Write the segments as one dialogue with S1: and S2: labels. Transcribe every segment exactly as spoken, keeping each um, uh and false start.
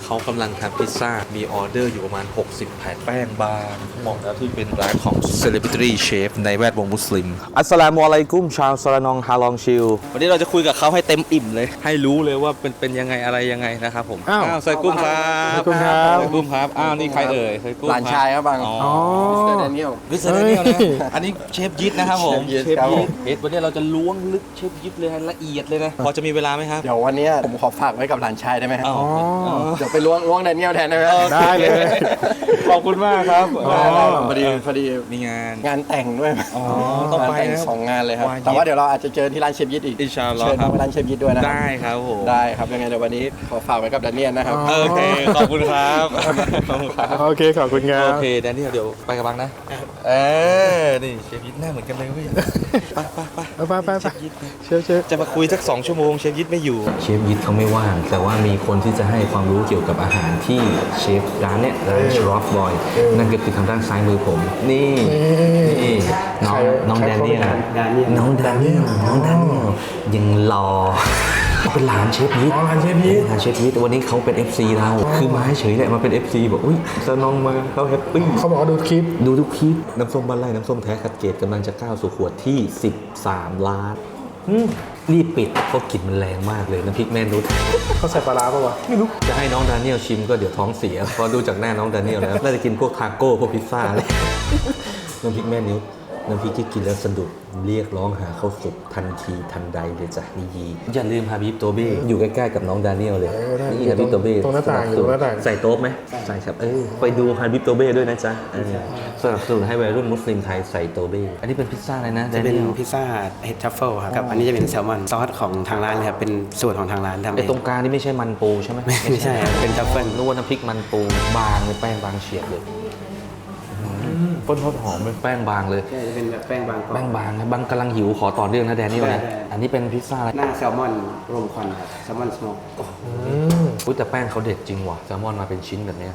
S1: เขากำลังทำพิซซ่ามีออเดอร์อยู่ประมาณหกสิบแผ่นแป้งบางเหมาะแล้วที่เป็นร้านของ Celebrity Chef ในแวดวงมุสลิมอัสสลามุอะลัยกุมชาวซาลานองฮาลองชิลวันนี้เราจะคุยกับเขาให้เต็มอิ่มเลยให้รู้เลยว่าเป็นเป็นยังไงอะไรยังไงนะครับผมอ้าวไซกุ้มครับไซกุ้มครับไซกุ้มครับอ้าวนี่ใครเอ่ยไซกุ้ม
S2: หลานชายครับบัง
S1: อ๋อ
S2: มิสเตอร์แดเนียล
S1: วิสเตอร์แดเนียลนะอันนี้เชฟยิทนะครับผม
S2: เชฟยิทครับผม
S1: เอ็ดวันนี้เราจะล้วงลึกเชฟยิทเลยให้ละเอียดเลยนะพอจะมีเวลาไหมครับ
S2: เดี๋ยววันนี้ผมขอฝากไว้กับหลานชายได้ไหมครับ
S1: อ๋อ
S2: เดี๋ยวไปล้วงล้วงแดเนียลแทนได้ไหม
S1: ได้เลยขอบคุณมากครับ
S2: ได้ได้พอดีพอดี
S1: มีงาน
S2: งานแต่งด้วย
S1: อ๋อต้อง
S2: งาน
S1: ไป
S2: แต่ง
S1: นะ
S2: สองงานเลยครับ
S1: วายิ
S2: แต่ว่าเดี๋ยวเราอาจจะเจอที่ร้านเชฟยิทอีก
S1: อินชาอัลลอฮ์
S2: เชิญ
S1: ครับ
S2: มาร้านเชฟยิทด้วยนะ
S1: ได้ครับผม
S2: ได้ครับยังไงเดี๋ยววันนี้ขอฝากไว้กับแดเนียลนะครับ
S1: โอเคขอบคุณครับขอบคุณครับ
S3: โอเคขอบคุณครั
S1: โอบ เคแดนนี่เดี๋ยวไปกับบังนะเออนี่เชฟยิทหน้าเหมือนกันเลยเว้ยไปไปไป
S3: ไปไปไป
S1: เชฟยิท
S3: เชื่อเชื่อ
S1: จะมาคุยสักสองชั่วโมงเชฟยิทไม่อยู่
S4: เชฟยิทเขาไม่ว่าง แต่ว่ามีคนที่จะให้ความรู้เกี่ยวกับอาหารที่เชฟร้านเนี้ยร้านชรอฟบอยนั่นก็คือทางด้านซ้ายมือผม นี่นี่น้องน้องแดเนียลน้องแดเนียลน้องแดเนียลยังรอเป็นหลานเชฟยิท
S3: อ๋อร้านเชฟยิท
S4: หลานเชฟยิทวันนี้เขาเป็น เอฟ ซี เราคือมาเฉยแหละมาเป็น เอฟ ซี บอกอุ้ยสน้องมาเขาแฮปปี้
S3: เขาบอกว่าดูคลิป
S4: ดูทุกคลิปน้ำส้มบ้านไร่น้ำส้มแท้คัดเกรดกำลังจะก้าวสู่ขวดที่สิบสามล้านรีบปิดเพราะกลิ่นมันแรงมากเลยน้ำพริกแม่นุช
S3: เขาใส่ปลาร้าป่าวะไม่รู้
S4: จะให้น้องดาเนียลชิมก็เดี๋ยวท้องเสียเพราะดูจากหน้าน้องดาเนียลแล้วน่าจะกินพวกทาโก้พวกพิซซ่าเลยน้ำพริกแม่นุชน้ำพริกที่กินแล้วสะดุดเรียกร้องหาข้าวสุกทันทีทันใดเลยจ้ะนี่ยีอย่าลืมฮาบิบโตเบ้อยู่ใกล้ๆกับน้องดาเนียลเลยนี่ฮาบิบโตเบ้
S3: ตรงหน้าต่างอยู่ตรงหน้าต่าง
S4: ใส่โต๊ะไหมใส่ครับเออไปดูฮาบิบโตเบ้ด้วยนะจ๊ะเออสนับสนุนให้วัยรุ่นมุสลิมไทยใส่โตเบ้อันนี้เป็นพิซซ่าอะไรนะ
S5: จะเป็น
S4: Daniel
S5: พิซซ่าเฮดทัฟเฟิลครับกับอันนี้จะเป็นแซลมอนซอสของทางร้านเลยครับเป็นสูตรของทางร้านทำเอ
S4: ไอ้
S5: ง
S4: ตรงกลางนี่ไม่ใช่มันปูใช่ไหม
S5: ไม่ใช่ครับเป็นทัฟเฟิล
S4: นึกว่าน้ำพริกมันปูบางเลยแป้งบางเฉียบเลยต้นทอดหอมเป็นแป้งบางเลย
S5: ใช่จะเป็นแบบแป้งบางกรอบ
S4: แป้งบางนะบางกำลังหิวขอต่อเรื่องนะแดนนี่วะนะ
S5: ได้ได้
S4: อันนี้เป็นพิซซ่าอะไร
S5: หน้าแซลมอนรวมควันครับแซลมอนสโมก
S4: อุ้ยแต่แป้งเขาเด็ดจริงว่ะแซลมอนมาเป็นชิ้นแบบเนี้ย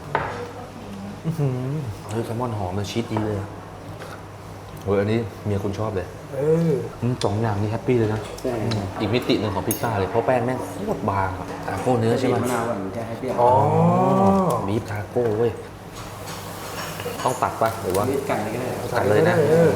S4: เฮ้ยแซลมอนหอมมันชีสดีเลยเฮ้ยอันนี้เมียคุณชอบเลย
S3: เออ
S4: อืมสองอย่างนี้แฮปปี้เลยนะ
S5: ใช่
S4: อืมอีกมิติหนึ่งของพิซซ่าเลยเพราะแป้งแม่งโคตรบางอะทาโก้เนื้อใช่ไหม
S5: มะนาวก่อนจะให้เปรี้ยว
S3: อ๋อ
S4: บีฟทาโก้เว้ยต้องตัดปะหรือว่า
S5: นี่กันเลยก็ได้ครับ
S4: ตัดเลยนะ
S3: เออ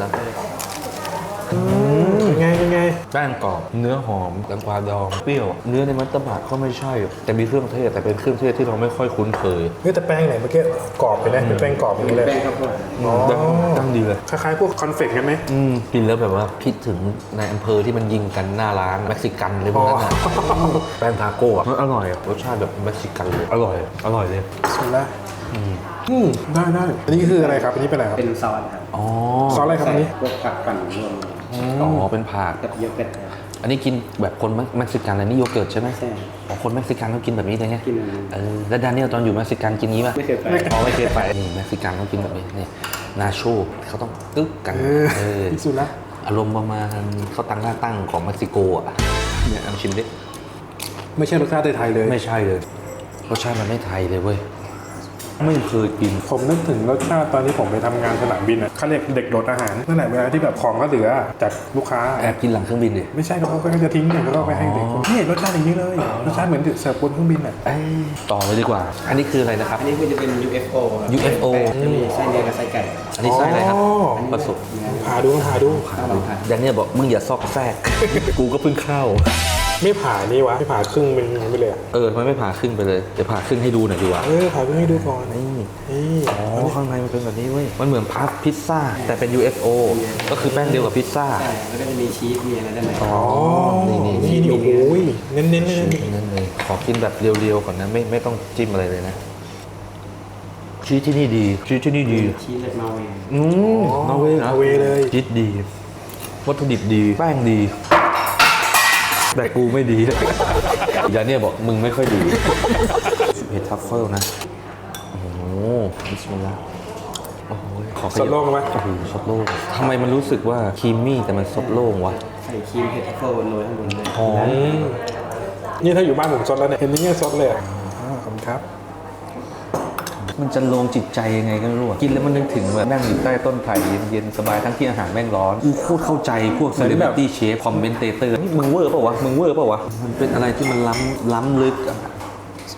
S3: เป็นไงเป็นไง
S4: แป้งกรอบเนื้อหอมแตงกวาดองเปรี้ยวเนื้อในมัตตบะก็ไม่ใช่แต่มีเครื่องเทศแต่เป็นเครื่องเทศที่เราไม่ค่อยคุ้นเคย
S3: เฮ้ยแต่แป้งไหนเมื่อกี้กรอบไปนะเป็นแป้งกรอบอย่างนี้เลย
S5: แป้งข้าวโพด
S3: อ๋อ
S4: ตั้งดีเลย
S3: คล้ายๆพวกคอนเฟกต์กันไหม
S4: อืมกินแล้วแบบว่าคิดถึงในอำเภอที่มันยิงกันหน้าร้านเม็กซิกันเลยพวกนั้นนะแป้งทาโก้อะมันอร่อยอะรสชาติแบบเม็กซิกันเลยอร่อยอร่อยเลย
S3: สุดละอืมได้ได้อันนี้คืออะไรครับอันนี้เป็นอะไรครับ
S5: เป็นซอสครับ
S4: อ๋อ
S3: ซอสอะไรครับอันนี้
S5: พวกผักปั่นรวม
S4: อ๋อเป็นผัก
S5: กับโยเกิร์ตครับ
S4: อันนี้กินแบบคนเม็กซิกันอะไรนี่โยเกิร์ตใช่ไหม
S5: ใช่
S4: อ๋อคนเม็กซิกันเขากินแบบนี้เลยไง
S5: กินแบบนี้
S4: เออแล้วดานิเอลตอนอยู่เม็กซิกันกินงี้ป่ะ
S5: ไม่เคยไป
S4: อ๋อไม่เคยไปนี่เม็กซิกันเขากินแบบนี้นี่นาโชเขาต้องตึ๊กกัน
S3: เออ
S4: เออ
S3: ที่สุดละ
S4: อารมณ์ประมาณเขาตั้งหน้าตั้งของเม็กซิโกอ่ะเนี่ยลองชิมดิ
S3: ไม่ใช่รสชาติไทยๆเลย
S4: ไม่ใช่เลยรสชาติมันไม่ไทยเลยเว้ยไม่เคยกิน
S3: ผมนึกถึงรสชาติตอนที่ผมไปทำงานสนามบินอ่ะเขาเรียกเด็กโดดอาหารนั่นแหละเวลาที่แบบของก็เหลือจากลูกค้า
S4: แอบกินหลังเครื่องบินดิ
S3: ไม่ใช่เขาก็จะทิ้งเนี่ยแล้วก็ไปให้เด็กนี่รสชาติอย่างนี้เลยรสชาติเหมือนเสิร์ฟบนเครื่องบินอ่ะ
S4: เอ้ยต่อเลยดีกว่า อันนี้คืออะไรนะครับ
S5: อันนี้คือจะเป็น ยู เอฟ โอ ครับ
S4: ยู เอฟ โอ
S5: จะมีไส้เนื้อกับไส้ไก่
S4: อันนี้ไส้อะไรครับ
S3: อ๋อ
S4: ผสม
S3: ผ่าดูผ่าดู
S5: ต้องลองทาน
S4: แดนเนี่ยบอกมึงอย่าซอกแซก กูก็เพิ่งเข้า
S3: ไม่ผ่านี่วะไม่ผ่าครึ่งเป็นอย่างนี้ไปเลยอะ
S4: เออทำไมไม่ผ่าครึ่งไปเลยเดี๋ยวผ่าครึ่งให้ดูหน่อยดีกว่า
S3: เออผ่าครึ่งให้ดูก่อน
S4: นี่
S3: นี่
S4: อ๋อข้างในมันเป็นแบบนี้เว้ยมันเหมือนพัฟพิซซ่าแต่เป็น ยู เอฟ โอ ก็คือแป้งเดียวกับพิซซ่า
S5: ใช่แล้วก็จะมีชีสมีอะไรด้านใน
S4: อ๋อนี่นี่
S3: นี่นี่โอ้โหเน้นๆเลยนะนี่
S4: นั่นเลยขอกินแบบเรียวๆก่อนนะไม่ไม่ต้องจิ้มอะไรเลยนะชีสที่นี่ดีชีสที่นี่ดี
S5: ชีสจากนอร์เวย์
S4: อืมนอร์เวย์นะ
S3: นอร์เวย์เลย
S4: ชีสดี วัตถุดิบดี แป้งดี แต่กูไม่ดีอย่าเนี่ยบอกมึงไม่ค่อยดีเห็ดทัฟเฟิลนะ โอ้โหบิสมิลลาห์โอ้โหขอข
S3: ส
S4: ยั
S3: ด
S4: บ
S3: โล่งไหม
S4: โอ้โหซดโล่งทำไมมันรู้สึกว่าครีมมี่แต่มันซดโล่งวะ
S5: ใส่ครีมเห็ดทัฟเฟิลโรยข้างบนเลย
S4: หอม
S3: อืมนี่ถ้าอยู่บ้านผมซดแล้วเนี่ยเห็นอย่างเงี้ยซดเลยอ่ะอ่าขอบคุณครับ
S4: มันจะลงจิตใจยังไงก็ไม่รู้อะกินแล้วมันนึกถึงแบบนั่งอยู่ใต้ต้นไผ่เย็นๆสบายทั้งที่อาหารแม่งร้อนกูโคตรเข้าใจพวก celebrity chef คอมเมนเตเตอร์นี่มึงเวอร์เปล่าวะมึงเวอร์เปล่าวะมันเป็นอะไรที่มันล้ำล้ำลึกอะ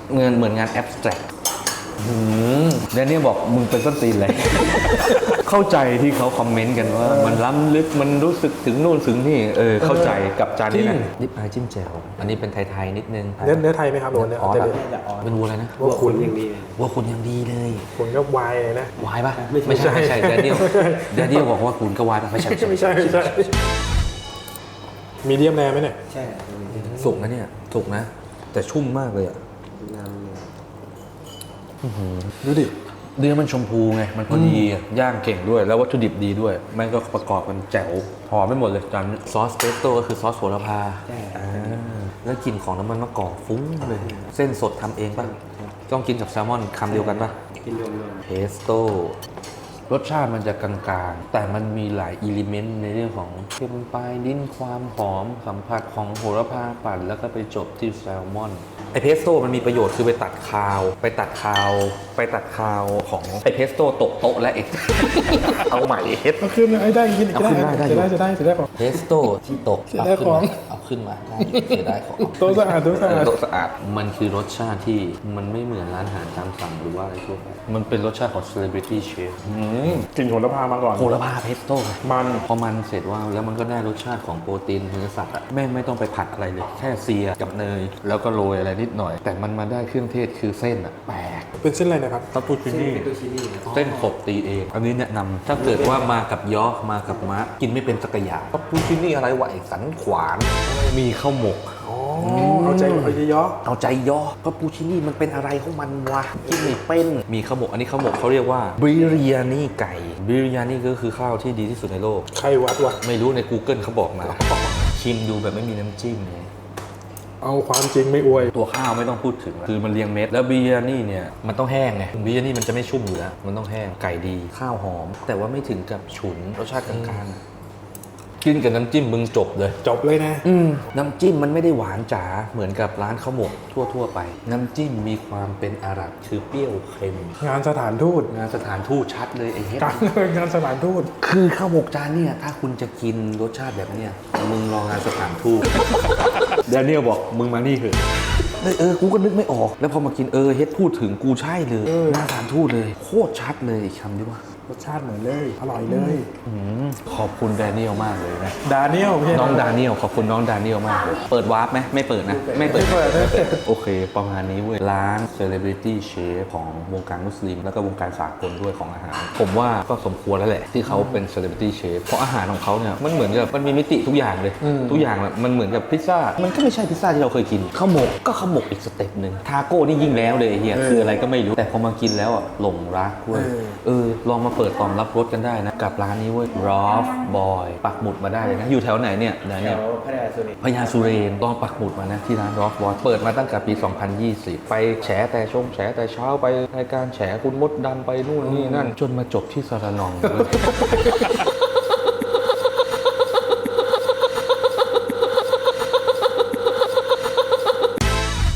S4: เงินเหมือนงานแอบสแตรกแดเนียลบอกมึงเป็นส้นตีนเลย เข้าใจที่เขาคอมเมนต์กันว่า มันล้ำลึกมันรู้สึกถึงนู่นถึงนี่เออเข้าใจกับจานนี้นะนิปอายจิ้มแจ่วอันนี้เป็นไทยๆนิดนึง
S3: เนื้อเนื้อไทยไหมครับโดนเนี่ย
S4: อ๋อ
S3: จะ
S4: แต่
S3: เป็น
S4: เป็นวัวอะไรนะ
S3: ว่าคุณ
S5: อย่างดี
S4: วัวคุณยังดีเลย
S3: คุณก็วายเลยนะ
S4: วายปะไม่ใช่ไม่ใช่แดเนียลแดเนียลบอกว่าคุณก็วายปะไม่ใช่
S3: ไม่ใช่ไม่ใช่มีเดียมแรไหมเนี่ย
S5: ใช่
S4: สุกนะเนี่ยสุกนะ แต่ชุ่มมากเลยอ่ะ
S3: ดูดิ
S4: เนื้อมันชมพูไง มันพอดีอะย่างเก่งด้วย แล้ววัตถุดิบดีด้วย แม่งก็ประกอบกันแจ๋วหอมไปหมดเลยจานนี้ซอสเปสโต้ก็คือซอสโหระพาอ่าแล้วกลิ่นของน้ำมันมะกอกฟุ้งเลย เส้นสดทำเองป่ะ ต้องกินกับแซลมอนคำเดียวกันป่ะ
S5: กินรวม
S4: เพสโต้รสชาติมันจะกลางๆ แต่มันมีหลายอิเลเมนต์ในเรื่องของเค็มปลายลิ้นความหอมสัมผัสของโหระพาปั่นแล้วก็ไปจบที่แซลมอนไอเพสโต้มันมีประโยชน์คือไปตัดคาว ไปตัดคาว ไปตัดคาวของไอเพสโต้ตกโต๊ะและเอก เอาใหม่เฮ็ด
S3: เอาขึ้นไอ้ได้กินอีก
S4: เอาขึ้นได้ได้อยู่
S3: จะได้จะได้จะได้ของ
S4: เพสโต้ที่ตก
S3: เสียดายของ
S4: เอาขึ้นมาได้เสียดายของ
S3: โต๊ะสะอาดโต๊ะสะอาด
S4: โต๊ะสะอาดมันคือรสชาติที่มันไม่เหมือนร้านอาหารตามสั่งหรือว่าอะไรทั่วไปมันเป็นรสชาติของ celebrity chef
S3: กลิ่นโหระพามาก่อน
S4: โหระพาเพสโต้ไง
S3: มัน
S4: พอมันเสร็จว่าแล้วมันก็ได้รสชาติของโปรตีนเนื้อสัตว์อะแม่งไม่ต้องไปผัดอะไรเลย แค่เซียกับเนย แล้วก็โรยอะไรนิดหน่อย แต่มันมาได้เครื่องเทศคือเส้นอะแปลก
S3: เป็นเส้นอะไรนะครับ
S4: คาปูชินี่เส้นขบตีเอง อันนี้แนะนำถ้าเกิดว่ามากับยอมากับมะกินไม่เป็นสักอย่างคาปูชินี่อะไรวะไอ้สันขวานมีข้าวหมก
S3: อ๋อเอาใจเอาใจย่อ
S4: เอาใจย่อคาปูชินี่มันเป็นอะไรของมันวะกินไม่เป็นมีข้าวหมกอันนี้ข้าวหมกเขาเรียกว่าบิริยานี่ไก่บิริยานี่ก็คือข้าวที่ดีที่สุดในโลก
S3: ใครวัดวะ
S4: ไม่รู้ใน Google เขาบอกมา ชิมดูแบบไม่มีน้ำจิ้มไง
S3: เอาความจริงไม่อวย
S4: ตัวข้าวไม่ต้องพูดถึงแล้วคือมันเรียงเม็ดแล้วบิริยานี่เนี่ยมันต้องแห้งไงบิริยานี่มันจะไม่ชุ่มอยู่แล้วมันต้องแห้งไก่ดีข้าวหอม แต่ว่าไม่ถึงกับฉุนรสชาติกลางๆกินกับน้ำจิ้มมึงจบเลย
S3: จบเลยนะ
S4: อืมน้ำจิ้มมันไม่ได้หวานจ๋าเหมือนกับร้านข้าวหมกทั่วๆไป น้ำจิ้มมีความเป็นอาหรับคือเปรี้ยวเค็ม
S3: งานสถานทูต
S4: งานสถานทูตชัดเลยไอ้เฮ็ด
S3: การงานสถานทูต
S4: คือข้าวหมกจานเนี่ยถ้าคุณจะกินรสชาติแบบเนี้ยมึงรองานสถานทูต แดเนียลบอกมึงมานี่เถอะเออเออกูก็นึกไม่ออก แล้วพอมากินเออเฮ็ดพูดถึงกูใช่เลยหน้าสถานทูตเลยโคตรชัดเลยอีกคำที่ว่าร
S3: สชาติเหมือนเลย อร่อยเลย
S4: อืมขอบคุณแดเนียลมากเลยนะ
S3: ดาเนียลไม่ใช่
S4: น้องดาเนียลขอบคุณน้องดาเนียลมากเลย เปิดวาร์ปไหมไม่เปิดนะ ไม่เปิด
S3: ไม่เปิดไม่เปิด
S4: โอเค ประมาณนี้เว้ย ร้าน Celebrity Chef ของวงการมุสลิม แล้วก็วงการสากลด้วยของอาหาร ผมว่าก็สมควรแล้วแหละ ที่เขาเป็น Celebrity Chef เพราะอาหารของเขาเนี่ย มันเหมือนกับมันมีมิติทุกอย่างเลย ทุกอย่างแบบมันเหมือนกับพิซซ่า มันก็ไม่ใช่พิซซ่าที่เราเคยกินข้าวหมกก็ข้าวหมกอีกสเต็ปหนึ่งทาโก้นี่ยิ่งแล้วเลยไอ้เฮียคืออะไรก็ไม่รู้แต่พอมากินแล้วอ่ะหลงรักเว้ยเออลองมาเปิดตอมรับรสกันได้นะกับร้านนี้เว้ย Rough Boy ปักหมุดมาได้เลยนะอยู่แถวไหนเนี่ยเดี๋ยว
S5: แถ
S4: เนี่ย
S5: วพัทยาสุรินทร์
S4: พญาสุเรนลองปักหมุดมานะที่ร้าน Rock Boy เปิดมาตั้งแต่ปี สองพันยี่สิบ ไปแฉแต่ชมแฉแต่เช้าไปรายการแฉคุณมดดำไปนู่นนี่นั่น จนมาจบที่สระนอง